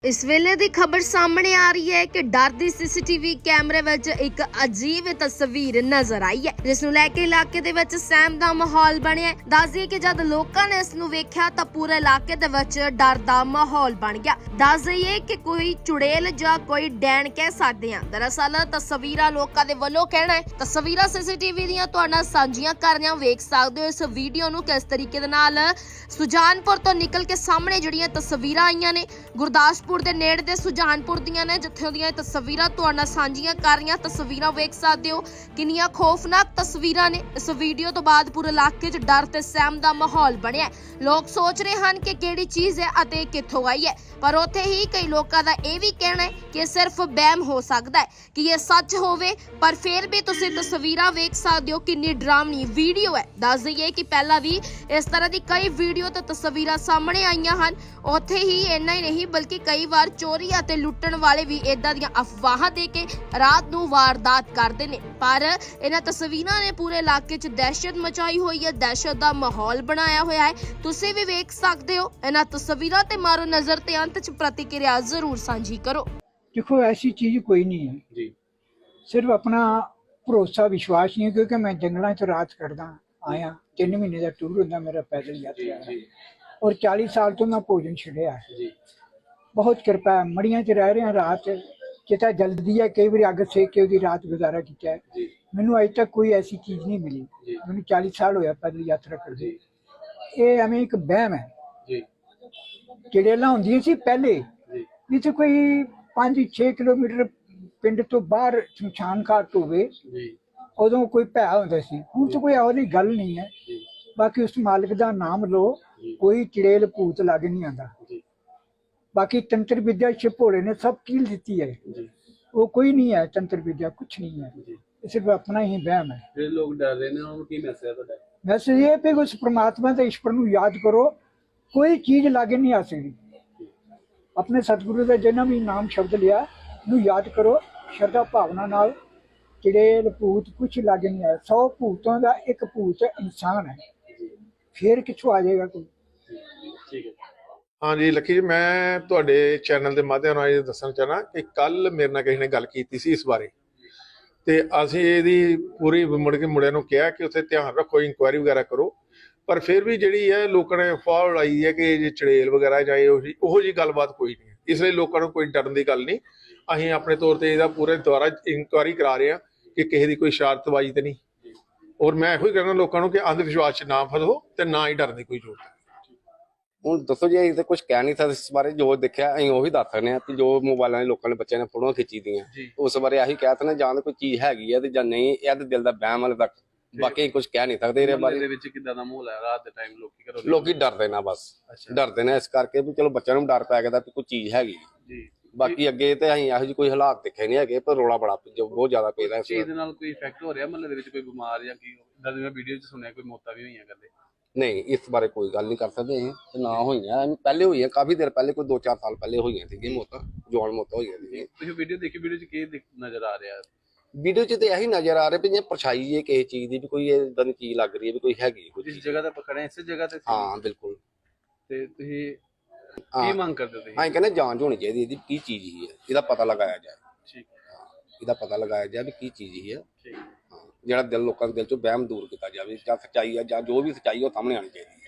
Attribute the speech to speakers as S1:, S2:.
S1: इस वेले दी खबर सामने आ रही है कि डर दी सीसीटीवी कैमरे विच एक अजीब तस्वीर नजर आई है, जिस नूं लैके इलाके दे विच सहम दा माहौल बनिया है। दस दईए कि जद लोकां ने इस नूं वेख्या तां पूरे इलाके दे विच डर दा माहौल बन गया। दस दईए कि कोई चुड़ैल जां कोई डैन कह सकदे हां। दरअसल तस्वीरां लोकां दे वल्लों कहना है, तस्वीरां सीसीटीवी दीयां तुहाडे नाल सांझीਆਂ कर रहे हां। वेख सकदे हो इस वीडियो नूं किस तरीके दे नाल सुजानपुर तो निकल के सामने जिहड़ियां तस्वीरां आईयां ने गुरदासपुर ਦੇ ਨੇੜੇ ਦੇ ਸੁਜਾਨਪੁਰ ਦੀਆਂ ਨੇ, ਜਿੱਥੋਂ ਦੀਆਂ ਤਸਵੀਰਾਂ ਤੁਹਾਡੇ ਨਾਲ ਸਾਂਝੀਆਂ ਕਰ ਰਹੀਆਂ। ਤਸਵੀਰਾਂ ਵੇਖ ਸਕਦੇ ਹੋ ਕਿੰਨੀਆਂ ਖੌਫਨਾਕ ਤਸਵੀਰਾਂ ਨੇ। ਇਸ ਵੀਡੀਓ ਤੋਂ ਬਾਅਦ ਪੂਰੇ ਇਲਾਕੇ 'ਚ ਡਰ ਤੇ ਸਹਿਮ ਦਾ ਮਾਹੌਲ ਬਣਿਆ। ਲੋਕ ਸੋਚ ਰਹੇ ਹਨ ਕਿ ਕਿਹੜੀ ਚੀਜ਼ ਹੈ ਅਤੇ ਕਿੱਥੋਂ ਆਈ ਹੈ, ਪਰ ਉੱਥੇ ਹੀ ਕਈ ਲੋਕਾਂ ਦਾ ਇਹ ਵੀ ਕਹਿਣਾ ਹੈ ਕਿ ਇਹ ਸਿਰਫ ਵਹਿਮ ਹੋ ਸਕਦਾ ਹੈ ਕਿ ਇਹ ਸੱਚ ਹੋਵੇ। ਪਰ ਫਿਰ ਵੀ ਤੁਸੀਂ ਤਸਵੀਰਾਂ ਵੇਖ ਸਕਦੇ ਹੋ ਕਿੰਨੀ ਡਰਾਵਨੀ ਵੀਡੀਓ ਹੈ। ਦੱਸ ਦਈਏ ਕਿ ਪਹਿਲਾਂ ਵੀ ਇਸ ਤਰ੍ਹਾਂ ਦੀ ਕਈ ਵੀਡੀਓ ਤੇ ਤਸਵੀਰਾਂ ਸਾਹਮਣੇ ਆਈਆਂ ਹਨ। ਉੱਥੇ ਹੀ ਇੰਨਾ ਹੀ ਨਹੀਂ ਬਲਕਿ ਕਈ ਵਾਰ ਚੋਰੀ ਅਤੇ ਲੁੱਟਣ ਵਾਲੇ ਵੀ ਇਦਾਂ ਦੀਆਂ ਅਫਵਾਹਾਂ ਦੇ ਕੇ ਰਾਤ ਨੂੰ ਵਾਰਦਾਤ ਕਰਦੇ ਨੇ। ਪਰ ਇਹਨਾਂ ਤਸਵੀਰਾਂ ਨੇ ਪੂਰੇ ਇਲਾਕੇ 'ਚ ਦਹਿਸ਼ਤ ਮਚਾਈ ਹੋਈ ਹੈ, ਦਹਿਸ਼ਤ ਦਾ ਮਾਹੌਲ ਬਣਾਇਆ ਹੋਇਆ ਹੈ। ਤੁਸੀਂ ਵੀ ਵੇਖ ਸਕਦੇ ਹੋ ਇਹਨਾਂ ਤਸਵੀਰਾਂ ਤੇ ਮਾਰੋ ਨਜ਼ਰ ਤੇ ਅੰਤ 'ਚ ਪ੍ਰਤੀਕਿਰਿਆ ਜ਼ਰੂਰ ਸਾਂਝੀ ਕਰੋ।
S2: देखो ऐसी चीज कोई नहीं है जी, सिर्फ अपना भरोसा विश्वास नहीं है, क्योंकि मैं जंगलों च रात कटदा आया। 3 महीने का टूर होंदा मेरा पैदल यात्रा है, और 40 साल तो मैं भोजन छड़िया है। बहुत कृपा है, मड़ियां च रह रहे हैं। रात किता जल्दी है, कई बार अग सेक के ओदी रात गुजारा किया है। मैनू अज तक कोई ऐसी चीज नहीं मिली। मैनू 40 साल होया पैदल यात्रा करदे। ये एवें एक बहम है। चड़ेलां हुंदियां सी पहले, जिथे कोई 5-6 किलोमीटर पिंड तो बाहर शमशान घाट होवे, उदों कोई भै हुंदा सी। हुण तो कोई ਇਹੋ ਜਿਹੀ गल नहीं है। बाकी उस मालिक का नाम लो, कोई चड़ेल भूत लग नहीं आंदा। बाकी तंत्र विद्या शिव भोले ने सब कील दी है, वो कोई नहीं है। तंत्र विद्या कुछ नहीं है, सिर्फ अपना ही वहम है।
S3: जो लोग डर रहे हैं उनको की मैसेज है ਤੁਹਾਡਾ?
S2: मैसेज ये पे उस परमात्मा ते ईश्वर नूं याद करो, कोई चीज लागे नहीं आ सकती। अपने सतगुरु का जिन्ना भी नाम शब्द लिया नूं याद करो श्रद्धा भावना नाल। चड़ेल भूत कुछ लागे नहीं आया। 100 भूतों का एक भूत इंसान है, फिर किथों आ जाएगा कोई।
S3: ठीक है।
S4: हाँ जी लक्की जी, मैं तुहाडे चैनल के माध्यम नाल ये दसना चाहना कि कल मेरे नाल किसी ने गल कीती सी इस बारे, ते असीं इहदी पूरी मुड़ के मुंडिਆਂ ਨੂੰ ਕਿਹਾ कि उत्थे ध्यान रखो, इंक्वायरी वगैरह करो। पर फिर भी जिहड़ी है लोकां ने अफवाह उड़ाई है कि जे चड़ेल वगैरह जां ओहो जी गलबात कोई नहीं है। इसलिए लोकां नूं कोई डरन दी गल नहीं। असीं अपने तौर ते इहदा पूरे दुआरा इंक्वायरी करा रहे हैं कि किसी दी कोई शरारतबाजी ते नहीं। और मैं इहो ही कहना लोकां नूं कि अंध विश्वास च ना फसो ते ना ही डरन दी कोई जरूरत है।
S5: ਹੁਣ ਦੱਸੋ ਜੀ, ਅਸੀਂ ਤਾਂ ਕੁਝ ਕਹਿ ਨਹੀਂ ਸਕਦੇ ਇਸ ਬਾਰੇ। ਜੋ ਦੇਖਿਆ ਅਸੀਂ ਉਹੀ ਦੱਸ ਸਕਦੇ ਹਾਂ ਕਿ ਜੋ ਮੋਬਾਈਲਾਂ ਦੇ ਲੋਕਾਂ ਨੇ ਬੱਚਿਆਂ ਨੇ ਫੋਟੋਆਂ ਖਿੱਚੀ ਦੀਆਂ, ਉਸ ਬਾਰੇ ਆਹੀ ਕਹਿ ਤਾ ਨਾ, ਜਾਂ ਤਾਂ ਕੋਈ ਚੀਜ਼ ਹੈਗੀ ਹੈ ਤੇ ਜਾਂ ਨਹੀਂ। ਇਹ ਤਾਂ ਦਿਲ ਦਾ ਵਹਿਮ ਵਾਲੇ ਤੱਕ, ਬਾਕੀ ਕੁਝ ਕਹਿ ਨਹੀਂ ਸਕਦੇ ਇਹਦੇ ਬਾਰੇ।
S3: ਦੇ ਵਿੱਚ ਕਿੱਦਾਂ ਦਾ ਮਾਹੌਲ ਹੈ ਰਾਤ ਦੇ ਟਾਈਮ?
S5: ਲੋਕੀ ਡਰਦੇ ਨਾ, ਬਸ ਡਰਦੇ ਨੇ ਇਸ ਕਰਕੇ ਵੀ ਚਲੋ ਬੱਚਿਆਂ ਨੂੰ ਡਰ ਪੈ ਗਿਆ ਵੀ ਕੋਈ ਚੀਜ਼ ਹੈਗੀ ਜੀ। ਬਾਕੀ ਅੱਗੇ ਤੇ ਅਸੀਂ ਇਹੋ ਜਿਹੀ ਕੋਈ ਹਾਲਾਤ ਦੇਖੇ ਨਹੀਂ ਹੈਗੇ, ਪਰ ਰੋਲਾ ਬੜਾ ਬਹੁਤ ਜ਼ਿਆਦਾ ਪੈਦਾ ਇਸ
S3: ਚੀਜ਼ ਦੇ ਨਾਲ। ਕੋਈ ਇਫੈਕਟ ਹੋ ਰਿਹਾ ਮਹੱਲੇ ਦੇ ਵਿੱਚ? ਕੋਈ ਬਿਮਾਰ ਜਾਂ ਕੀ? ਇਦਾਂ ਦੀ ਮੈਂ ਵੀਡੀਓ 'ਚ ਸੁਣਿਆ ਕੋਈ ਮੌਤਾਂ ਵੀ ਹੋਈਆਂ ਕਰਦੇ।
S5: ਨਹੀਂ, ਇਸ ਬਾਰੇ ਕੋਈ ਗੱਲ ਨਹੀਂ ਕਰ ਸਕਦੇ ਅਸੀਂ, ਤੇ ਨਾ ਹੋਈਆਂ। ਪਹਿਲੇ ਹੋਈਆਂ, ਕਾਫੀ ਦੇਰ ਪਹਿਲੇ, ਕੋਈ 2-4 ਸਾਲ ਪਹਿਲੇ ਹੋਈਆਂ ਸੀਗੀਆਂ ਮੌਤਾਂ, ਜਵਾਨ ਮੌਤਾਂ ਹੋਈਆਂ ਸੀਗੀਆਂ।
S3: ਤੁਸੀਂ ਵੀਡੀਓ ਦੇਖੀ, ਵੀਡੀਓ 'ਚ ਕੀ ਨਜ਼ਰ ਆ ਰਿਹਾ?
S5: ਵੀਡੀਓ 'ਚ ਤੇ ਇਹੀ ਨਜ਼ਰ ਆ ਰਿਹਾ ਵੀ ਜੇ ਪਰਛਾਈ ਹੈ ਕਿਸੇ ਚੀਜ਼ ਦੀ, ਵੀ ਕੋਈ ਇਦਾਂ ਦੀ ਚੀਜ਼ ਲੱਗ ਰਹੀ ਹੈ ਵੀ ਕੋਈ ਹੈਗੀ
S3: ਜਿਸ ਜਗ੍ਹਾ ਤੇ ਪਕੜੇ ਇਸੇ ਜਗ੍ਹਾ ਤੇ।
S5: ਹਾਂ ਬਿਲਕੁਲ।
S3: ਤੇ ਤੁਸੀਂ ਕੀ ਮੰਗ ਕਰਦੇ ਹੋ?
S5: ਅਸੀਂ ਕਹਿੰਦੇ ਜਾਂਚ ਹੋਣੀ ਚਾਹੀਦੀ ਇਹਦੀ, ਕੀ ਚੀਜ਼ ਹੀ ਹੈ, ਇਹਦਾ ਪਤਾ ਲਗਾਇਆ ਜਾਏ।
S3: ਠੀਕ,
S5: ਇਹਦਾ ਪਤਾ ਲਗਾਇਆ ਜਾਏ ਵੀ ਕੀ ਚੀਜ਼ ਹੀ ਹੈ।
S3: ਠੀਕ।
S5: ਜਿਹੜਾ ਦਿਲ ਲੋਕਾਂ ਦੇ ਦਿਲ ਚੋਂ ਵਹਿਮ ਦੂਰ ਕੀਤਾ ਜਾਵੇ, ਜਾਂ ਸੱਚਾਈ ਹੈ ਜਾਂ ਜੋ ਵੀ ਸੱਚਾਈ ਉਹ ਸਾਹਮਣੇ ਆਉਣੀ ਚਾਹੀਦੀ ਹੈ।